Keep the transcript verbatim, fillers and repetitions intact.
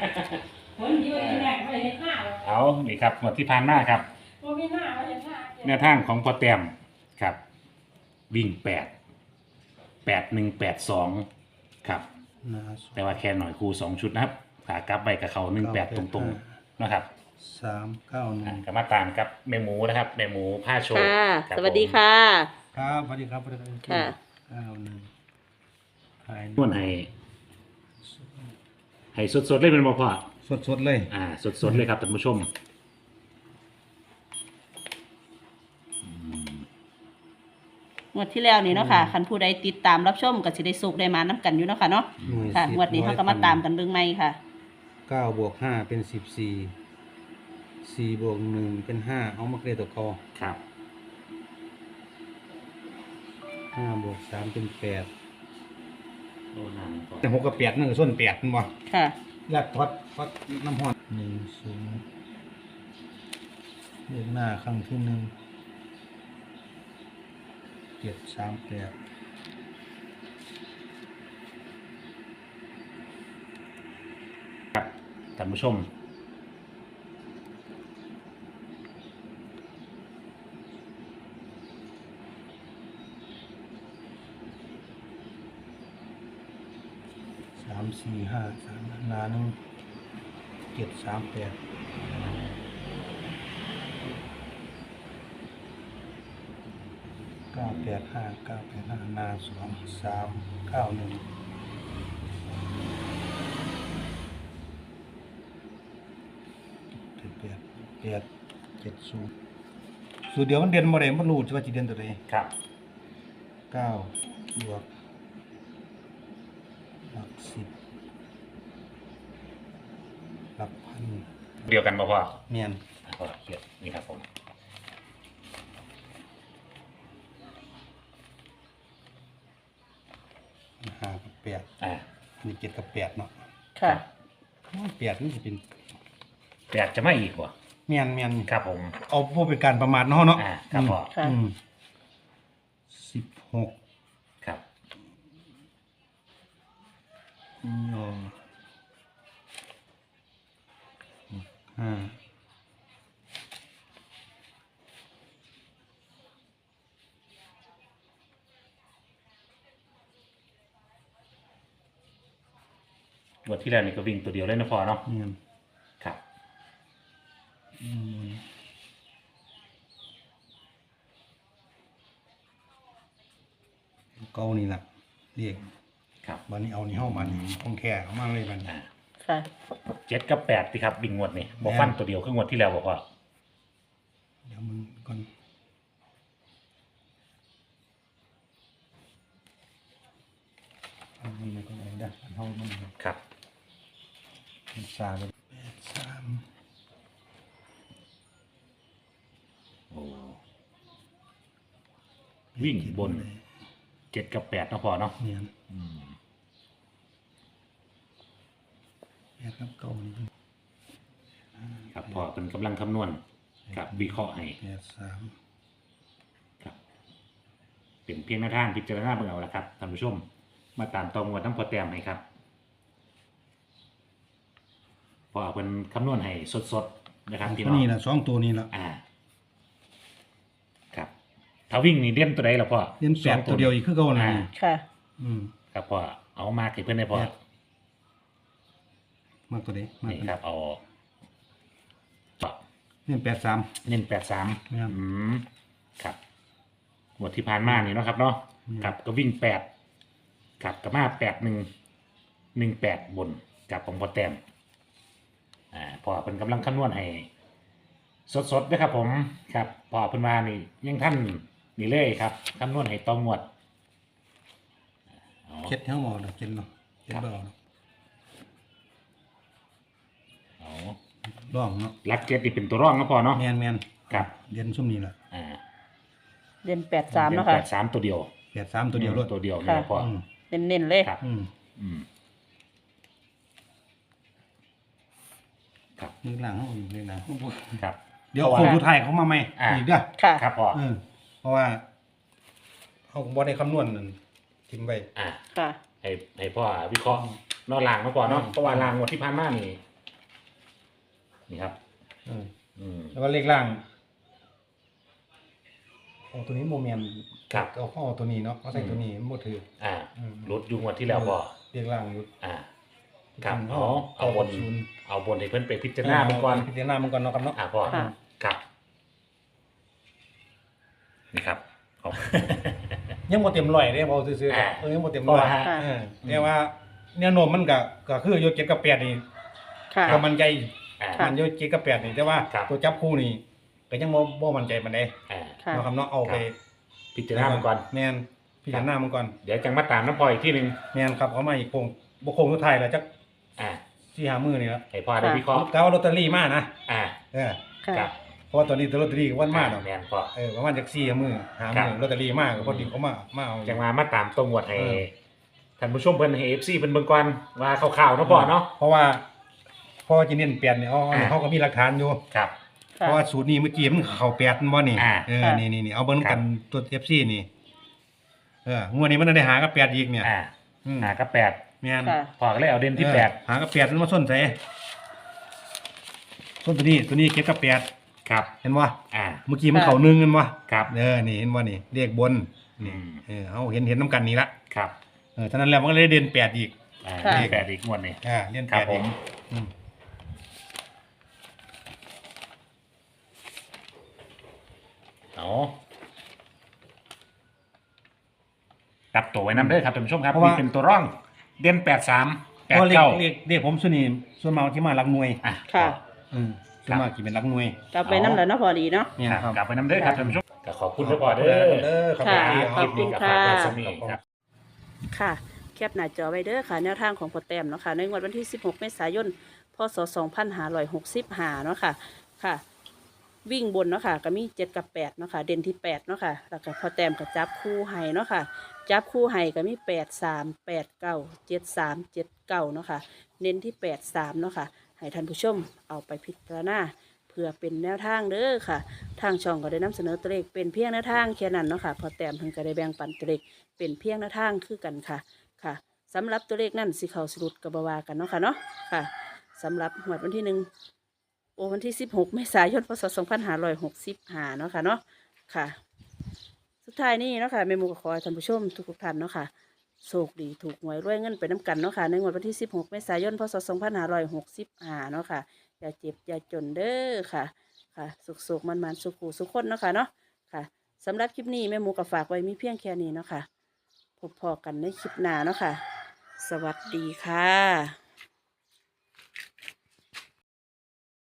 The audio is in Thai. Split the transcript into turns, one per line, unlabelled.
คนเดียวแรกไม่เห็นหน้า
เอานี่ครับหมดที่ผ่านมาครับ
ตัวมีหน้าไม่เห็นหน้า
แนวทางของพอแต้มครับ วิ่งแปดแปดหนึ่งแปดสองครับแต่ว่าแค่หน่อยครูสองชุดนะครับขากลับไปกับเขาหนึ่งแปดตรงๆนะครับ
สามเก้าหนึ่ง
ก็มาตามกับแม่หมูนะครับแม่หมูผ้าโชว์
ค่ะ
ครับ
สวัสดีค่ะ
ครับสวัสดีครับสวัสดีครับ
ค่ะ
เก้าหนึ่งขาย
นวดให้ให้สดๆเลยเป็นบ่พ่อ
สดสดๆเลย
อ่าสดๆเลยครับท่านผู้ชม
งวดที่แล้วนี่เนาะค่ะคันผู้ใดติดตามรับชมก็สิได้สุขได้มาน้ำกันอยู่เนาะค่ะเนาะ
หน่วย
ค่ะ
สิบ
งวดนี้เขาก็มาตามกันเบิ่งใหม่ค่ะ
เก้าบวกห้าเป็นสิบสี่สี่บวกหนึ่งเป็นห้าเอามาเกลียตัวคอ
ครับ
ห้าบวกสามเป็นแปด
โอ้นั่นก่อน
แต่หกกับแปดนั่นก็ส้นแปดมันบ่
ค่ะ
ยัดทอดทอดน้ำหอนหนึ่งศูนย์เลขหน้าครั้งที่หนึ่งเจ็ดสามแปด
ครับท่านผู้ชม
สามสี่ห้าสามหนาหนึ่งเจ็ดสามแปดเก้าแปดห้าเก้าแปดห้าหนาสองสามเก้าหนึ่งเจ็ดแปดแปดเจ็ดศูนย์สูตรเดียวมันเด่นบ่ได้มันรู้ว่าจะเด่นตัวใด
ครับ
เก้าบวกหลักสิบหลักพัน
เดียวกันบ่พ่อ
เมียน
อ่ะพ่อเขียนนี่ครับผม
ห้ากับแปด
อ่า
อันนี้เจ็ดกับแปดเนาะ
ค่ะ
แปดนี่จะเป็น
แต่อยากจะไม่อีกว่ะ
เมียนเมียน
ครับผม
เอาพวกเป็นการประมาทเนาะเนาะ
อ่าครับพ่อ
ค่ะ
สิบหก
ครับ
ยอห้า
งวดที่แล้วนี่ก็วิ่งตัวเดียวเลยนะพ่อเนาะ
เมียน
ครับ
อืมเก้านี่แหละเรียก
ครับ
วันนี้เอานี่เข้ามานี่คงแค่เอามาเลยมัน
อ่า
ค่ะ
เจ็ดกับแปดสิครับวิ่งงวดนี่บอกฟันตัวเดียวคืองวดที่แล้วบอกว่า
เดี๋ยวมันก่อนเอามันไม่ก็ไหนได้อันเท่ามัน
ครับ
มันซาเลยแปดสาม
โอ้วิ่งบนเจ็ดกับแปดเนาะพ่อเนาะ
เนียน
อืม
แปดกับเก้านี่
ครับพ่อเป็นกำลังคำนวณครับวิเคราะห์ให้
แปดสาม
ครับเป็นเพียงหน้าทางพิจารณาเบิ่งเอาละครับท่านผู้ชม มาตามตองวดทั้งพอแต้มให้ครับพ่อเป็นคำนวณให้สดๆนะครับพี่น้อง
นี่แหละสองตัวนี้แหละ
อ่า ครับ ถ้าวิ่งนี่เด่นตัวใดล่ะพ่อ
เรียนแปดตัวเดียวอีกคือเก่านะ
อ่า
ค่ะ
อืม
ครับพ่อเอามากให้เพื่อนได้พ่อ
แปด มากตัวนี้มาก
นี่
ตัว
ครับเอาต่อ
เรียนแปดสาม
เน้นแปดสาม
ครับ
อืมครับหมดที่ผ่านมานี่เนาะครับเนาะ
อืม
ครับก็วิ่งแปดครับกับมาแปดหนึ่งหนึ่งแปดบนกับของพอแต้มอ่าพอเป็นกำลังคำนวณให้สดๆนะครับผมครับพอเป็นมานี่ยังท่านนี่เลยครับคำนวณให้ตองงวดเอา
เช็ดเท้าหมอเนาะเช็ดเนาะเช็ดเบาเนาะ
เอา
ร่องเนาะ
ลักเจ็ดนี่เป็นตัวร่องนะพอเนาะ
แมนแมน
ครับ
เรียนซุ่มนี่แหละ
อ่า
เด่นแปดสามเนาะค่ะ
แปดสามตัวเดียว
แปดสามตัวเดียวด้วย
ตัวเดียว
ค่ะ
นี่พอ
อืม
เน้นๆเลย
ครับ
อืม
อืมครับ
นึกหลังเขาอยู่เลยนะครับ เดี๋ยว
เพราะว่า
คนผู้ไทยเขามาไหม
อ่า
อีกเด้อ
ค่ะ
ครับพอ
เออเพราะว่าเขาบอได้คำนวณนั่นทิมไป
อ่า
ค่ะ
ให้ให้พ่อวิเคราะห์นอกลางมาก่อนเนาะเพราะว่าลางงวดที่ผ่านมานี่นี่ครับ
เออ
อืม
แล้วก็เลขล่างโอ้ตัวนี้โมเมน
ครับ
เอาเข้าเอาตัวนี้เนาะเขาใส่ตัวนี้มันบ่ถือ
อ่า
อืม
ลดอยู่งวดที่แล้วพ่อ
เลขล่างอยู่
อ่าครับ
อืม
เอาเอาบน
ศูนย์
เอาบนให้เพิ่นไปพิจารณาเบิ่งก่อน
พิจารณามันก่อนเนาะครับเนาะ
อ่าพ่อ
ค่ะ
ครับนี่ครับเอา
ยังบ่เต็มร้อยเด้พอซื่อ
อ่า
ๆเออยังบ่เต็มร้อย
เพราะว่า
เออแต่ว่าแนวโน้มมันก็ก็คืออยู่เจ็ดกับแปดนี่
ค่ะ
ก็มันใจ
อ่า
ค่ะ
มันอยู่เจ็ดกับแปดนี่แต่ว่า
ครับ
ตัวจับคู่นี่ก็ยังบ่บ่มั่นใจปานใด
อ่า
ค่ะ
เนาะครับเนาะเอาไป
พิจารณาเบิ่งก่อน
แม่นพิจารณามันก่อน
เดี๋ยวจังมาตามน้ำพ่ออีกที่หนึง
แม่นครับเอามาอีกโคงบ่โคงสุดท้ายแล้วจัก
อ่า
สี่ห้ามื้อนี่แล้ว
ให้พ่อได้วิเคราะห์
กะว่าลอตเตอรี่มานะ
อ่า
เออ
ค่ะ
ครับ
เพราะว่าตอนนี้ตัวลอตเตอรี่ก็วันมาดอก
แม่นพ่อ
เออประมาณจักสี่มื้อห้า
ครั
มื้อบ ลอตเตอรี่มาก็พอดีเขามามาเอา
จังมามาตามตรงวดให้
เออ
ท่านผู้ชมเพิ่นให้ เอฟ ซี เพิ่นเบิ่งก่อนว่าข่าวๆเนาะพ่อเนาะ
เพราะว่าพอจะเน้นเปลี่ยนเนี่ยเอา
อ่า
เขาก็มีหลักฐานอยู่
ครับ
เพราะว่าสูตรนี้เมื่อกี้มันเข้าแปดมันบ่นี่
อ่า
เออ
ค่ะ
นี่นี่นี่เอาเบิ่ง
ครั
กับ นตัว เอฟ ซี นี่เอองวดนี้มันได้หากับแปดอีกเนี่ย
อ่า
อืม
หากับแปด
แม่น
ค่ะ
พ่อก็เลยเอาเด่นที่
เออ
แปด
หากับแปดมันมาส้นใส่ส้นตัวนี้ตัวนี้เก็บกับแปด
ครับ
เห็นบ่
อ่า
เมื่อกี้มันเข้าหนึ่งเห็นบ่
ครับ
เออนี่เห็นบ่นี่เลขบนนี่
อืม
เออเอาเห็นเห็นนํกันนี่ละ
ครับ
เออฉะนั้นแล้วมันก็เลยเด่นแปดอีก
อ่า
ค่ะ
เลขแปดอีกงวดนี้
อ่าเด่น
ค
แป
รับ
ด
ผ
อีก
ม
อืม
เอาตับตัวไว้น้ำเด้อครับท่านผู้ชมครับ
เพราะว่า
นี่เป็นตัวร่องเด่นแปดสามแป
เพ
ด
ราะเลข
เก้า
เลขเลขผมส่วนนี้ส่วนมากที่มาหลักหน่วย
อ่ะ
ค่ะ
อืมส่วนมากที่เป็นหลักหน่วย
กลับไปน้ำแล้วเนาะพอดีเนาะ
เนี่ย
ครับ
ครับ
กลับไปน้ำเด้อครับท่านผู้ชมก็ขอบคุณทุกคนเด้อ
เด้อครับ
ค่ะ
ที่
คลิปนี้กับ
ขอบคุณ
ฝากไว้
ค่ะ
สำนีครับ
ค่ะ แคปหน้าจอไว้เด้อค่ะ แนวทางของโปรแตมเนาะค่ะ ในงวดวันที่ สิบหก เมษายน พศ สองพันห้าร้อยหกสิบห้า เนาะค่ะ ค่ะ วิ่งบนเนาะค่ะ ก็มีเจ็ดกับแปดเนาะค่ะ เด่นที่แปดเนาะค่ะ แล้วก็พอแต้มก็จับคู่ให้เนาะค่ะ จับคู่ให้ก็มีแปดสาม แปดเก้า เจ็ดสาม เจ็ดเก้าเนาะค่ะ เน้นที่แปดสามเนาะค่ะ ให้ท่านผู้ชมเอาไปพิจารณาเพื่อเป็นแนวทางเด้อค่ะ ทางช่องก็ได้นำเสนอตัวเลขเป็นเพียงแนวทางแค่นั้นเนาะค่ะ พอแต้มเพิ่นก็ได้แบ่งปันตัวเลขเป็นเพียงแนวทางคือกันค่ะ ค่ะสำหรับตัวเลขนั่นสิเขาสรุดกับบาวากันเนาะค่ะเนาะค่ะสำหรับหวดวันที่หนึ่งโอวันที่สิบหกเมษายนพศสองพันห้าร้อยหกสิบห้าเนาะค่ะเนาะค่ะ สุดท้ายนี้เนาะค่ะแม่หมูก็ขอให้ท่านผู้ชมทุกๆท่านเนาะค่ะโชคดีถูกหวยรวยเงินไปน้ำกันเนาะค่ะในงวดวันที่สิบหกเมษายนพศสองพันห้าร้อยหกสิบห้าเนาะค่ะอย่าเจ็บอย่าจนเด้อค่ะค่ะสุขๆมันๆสุขุสุขคนเนาะค่ะเนาะค่ะสำหรับคลิปนี้แม่หมูก็ฝากไว้มีเพียงแค่นี้เนาะค่ะพบพอกันในคลิปหน้าเนาะค่ะ สวัสดีค่ะ